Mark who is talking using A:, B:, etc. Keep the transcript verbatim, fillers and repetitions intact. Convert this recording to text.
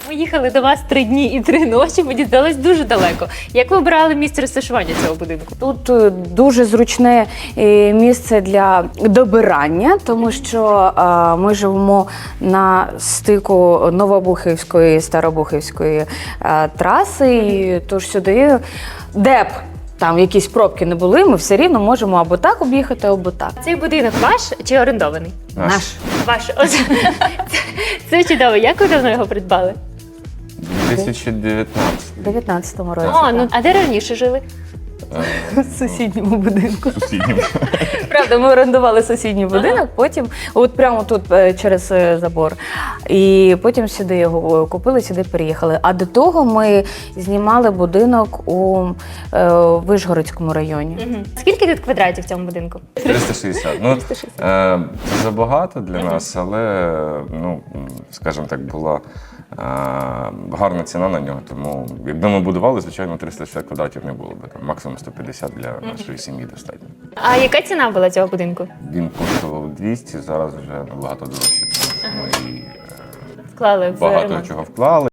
A: Ми їхали до вас три дні і три ночі, мені здалось дуже далеко. Як ви обирали місце розташування цього будинку?
B: Тут е, дуже зручне е, місце для добирання, тому що е, ми живемо на стику Новобухівської і Старобухівської е, траси, і тож сюди, де б там якісь пробки не були, ми все рівно можемо або так об'їхати, або так.
A: Цей будинок ваш чи орендований?
C: Наш.
B: Наш.
A: Ваш. Ось. Це, це чудово. Як ви давно його придбали?
C: дві тисячі дев'ятнадцятий.
B: У дев'ятнадцятому році.
A: О, ну а де раніше жили?
B: В сусідньому будинку.
C: Сусіднім.
B: Правда, ми орендували сусідній будинок, потім, от прямо тут е, через е, забор. І потім сюди його купили, сюди переїхали. А до того ми знімали будинок у е, Вишгородському районі.
A: Угу. Скільки тут квадратів в цьому будинку?
C: триста шістдесят. Ну, е, це забагато для нас, але, ну, скажімо так, була е, гарна ціна на нього, тому якби ми будували, звичайно, триста шістдесят квадратів не було б. Там, максимум сто п'ятдесят для нашої сім'ї достатньо.
A: А яка ціна була цього будинку?
C: Він коштував двісті, зараз вже набагато дорожче, тому що ми е,
A: Вклали в
C: багато
A: ремонт.
C: чого вклали.